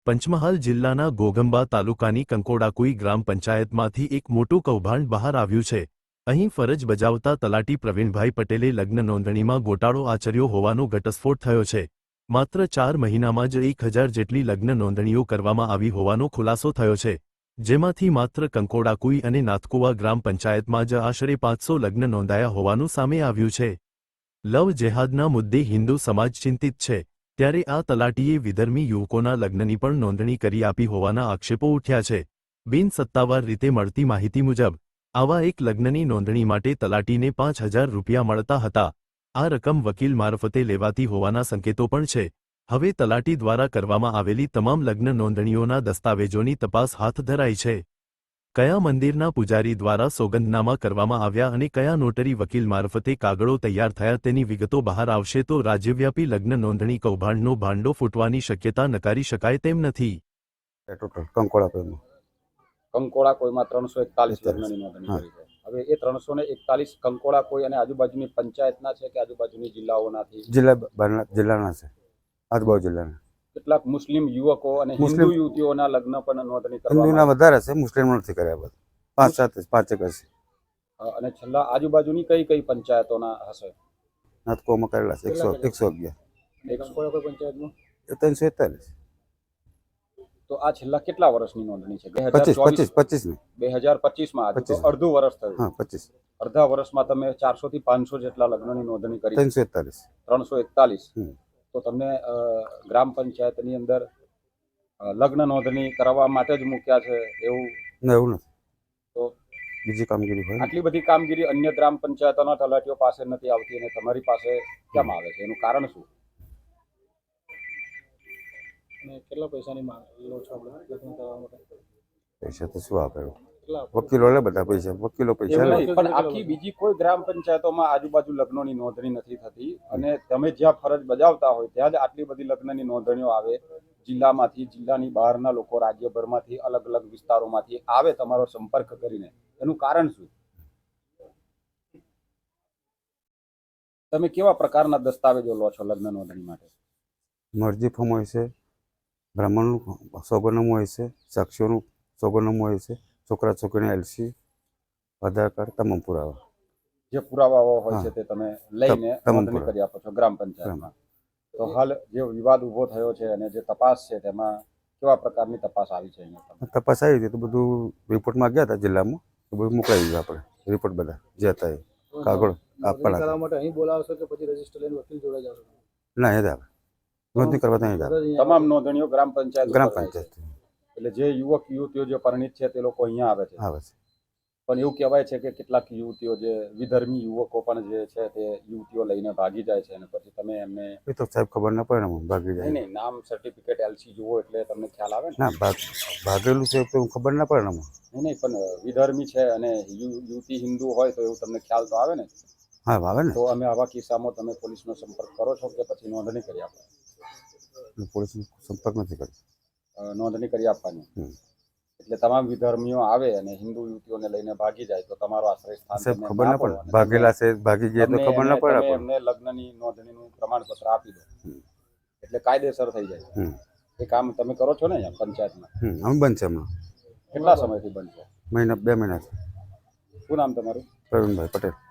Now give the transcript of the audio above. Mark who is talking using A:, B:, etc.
A: પંચમહાલ જિલ્લાના ઘોઘંબા તાલુકાની કંકોડાકુઈ ગ્રામ પંચાયતમાંથી એક મોટું કૌભાંડ બહાર આવ્યું છે। અહીં ફરજ બજાવતા તલાટી પ્રવીણભાઈ પટેલે લગ્ન નોંધણીમાં ગોટાળો આચર્યો હોવાનો ઘટસ્ફોટ થયો છે। માત્ર 4 મહિનામાં જ 1000 જેટલી લગ્ન નોંધણીઓ કરવામાં આવી હોવાનો ખુલાસો થયો છે, જેમાંથી માત્ર કંકોડાકુઈ અને નાથકુવા ગ્રામ પંચાયતમાં જ આશરે 500 લગ્ન નોંધાયા હોવાનું સામે આવ્યું છે। લવ જેહાદના મુદ્દે હિન્દુ સમાજ ચિંતિત છે, ત્યારે આ તલાટીએ વિધર્મી યુવકોના લગ્નની પણ નોંધણી કરી આપી હોવાના આક્ષેપો ઉઠ્યા છે। બિનસત્તાવાર રીતે મળતી માહિતી મુજબ આવા એક લગ્નની નોંધણી માટે તલાટીને 5000 રૂપિયા મળતા હતા। આ રકમ વકીલ મારફતે લેવાતી હોવાના સંકેતો પણ છે। હવે તલાટી દ્વારા કરવામાં આવેલી તમામ લગ્ન નોંધણીઓના દસ્તાવેજોની તપાસ હાથ ધરાઈ છે। કયા મંદિરના પૂજારી દ્વારા સોગંદનામા કરવામાં આવ્યા અને કયા નોટરી વકીલ મારફતે કાગળો તૈયાર થયા તેની વિગતો બહાર આવશે તો રાજ્યવ્યાપી લગ્ન નોંધણી કૌભાંડનો ભાંડો ફૂટવાની શક્યતા નકારી શકાય તેમ નથી।
B: કંકોડાકોઈમાં 341 લગ્નની નોંધણી કરી છે। હવે એ 341 કંકોડાકોઈ અને આજુબાજુની પંચાયતના છે કે આજુબાજુની જિલ્લાઓનાથી?
C: જિલ્લાના છે, આજુબાજુ જિલ્લાના।
B: કેટલાક મુસ્લિમ યુવકો અને હિન્દુ યુવતીઓના લગ્ન પણ નોંધણી
C: હિન્દુના વધારે છે, મુસ્લિમ નથી કર્યા બધા 5-7 છે।
B: અને છેલ્લા આજુબાજુની કઈ કઈ પંચાયતોના હશે?
C: નાથકોમાં કરેલા છે 111।
B: કંકોડાકોઈ પંચાયતનું
C: 341।
B: તો આ છેલ્લા કેટલા વર્ષની નોંધણી છે?
C: 25
B: 2025માં આજે તો અડધું વર્ષ થયું।
C: હા, 25
B: અડધા વર્ષમાં તમે 400 થી 500 જેટલા લગ્નની નોંધણી કરી?
C: 341।
B: તો તમને ગ્રામ પંચાયતની અંદર લગ્ન નોંધણી કરાવવા માટે જ મૂક્યા છે એવું?
C: એવું નથી,
B: તો
C: બીજી કામગીરી હોય।
B: આટલી બધી કામગીરી અન્ય ગ્રામ પંચાયતોના તલાટીઓ પાસે નથી આવતી અને તમારી પાસે કેમ આવે છે? એનું કારણ શું? કેટલા પૈસાની માંગ લો છો લગ્ન કરવા માટે?
C: પૈસા તો શું આપે, વકીલો લે બધા પૈસા, વકીલો પૈસા લે।
B: પણ આખી બીજી કોઈ ગ્રામ પંચાયતોમાં આજુબાજુ લગ્નોની નોંધણી નથી થતી અને તમે જ્યાં ફરજ બજાવતા હોય ત્યાં જ આટલી બધી લગ્નની નોંધણીઓ આવે। જિલ્લામાંથી, જિલ્લાની બહારના લોકો રાજ્યભરમાંથી, અલગ અલગ વિસ્તારોમાંથી આવે તમારો સંપર્ક કરીને, એનું કારણ શું? તમે કેવા પ્રકારના દસ્તાવેજો લો છો લગ્ન નોંધણી માટે?
C: મરજી ફોર્મ હોય છે, બ્રાહ્મણનું સોગંદનામું હોય છે, સાક્ષીઓનું સોગંદનામું હોય છે, છોકરા છોકરીની LC, આધાર કાર્ડ, તમામ પુરાવા
B: જે પુરાવાઓ હોય છે તે તમે લઈને નોંધણી કરી આપો છો ગ્રામ પંચાયતમાં। તો હાલ જે વિવાદ ઉભો થયો છે અને જે તપાસ છે તેમાં કેવા પ્રકારની તપાસ આવી છે?
C: તપાસ આવી હતી તો બધું રિપોર્ટમાં ગયા હતા જિલ્લામાં, તો બધું મોકલાવી દીધું આપણે રિપોર્ટ બધા જે હતા એ કાગળ આપવાના માટે।
D: અહીં બોલાવશો કે પછી રજીસ્ટર લઈને વકીલ જોડે જશો?
C: ના, એ જ આવે નોંધણી કરવા ત્યાં
B: તમામ નોંધણીઓ ગ્રામ પંચાયત? એટલે જે યુવક યુવતીઓ જે પરિણીત છે તે લોકો અહીંયા આવે છે? પણ એવું કહેવાય છે કે કેટલાક યુવતીઓ જે વિધર્મી યુવકો પણ જે છે તે યુવતીઓ લઈને ભાગી જાય છે અને પછી તમે એમને?
C: એ તો સાહેબ ખબર ના પડે ને, ભાગી જાય
B: નહીં, નામ સર્ટિફિકેટ LC જુઓ એટલે તમને ખ્યાલ આવે ને?
C: ના, ભાગેલું છે તો ખબર ના પડે ને।
B: નહીં, પણ વિધર્મી છે અને યુવતી હિન્દુ હોય તો એવું તમને ખ્યાલ તો આવે ને?
C: હા, આવે ને।
B: તો અમે આવા કિસ્સામાં તમે પોલીસનો સંપર્ક કરો છો કે પછી નોંધણી કરી આપો?
C: પોલીસનો સંપર્ક નથી કર્યો।
B: નોંધણી કરી આપવાની એટલે તમામ વિધર્મીઓ આવે અને હિન્દુ યુવતીઓને લઈને ભાગી જાય તો તમારો આશ્રય સ્થાન
C: ખબર ના પડે, ભાગેલા છે ભાગી ગયા તો ખબર ના પડે,
B: એમને લગ્નની નોંધણીનું પ્રમાણપત્ર આપી દો એટલે કાયદેસર થઈ જાય। એ કામ તમે કરો છો ને અહીંયા પંચાયતમાં?
C: અમે બંધ છે હમણાં।
B: કેટલા સમયથી બંધ છે?
C: 2 મહિના।
B: શું નામ તમારું?
C: પ્રવીણભાઈ પટેલ।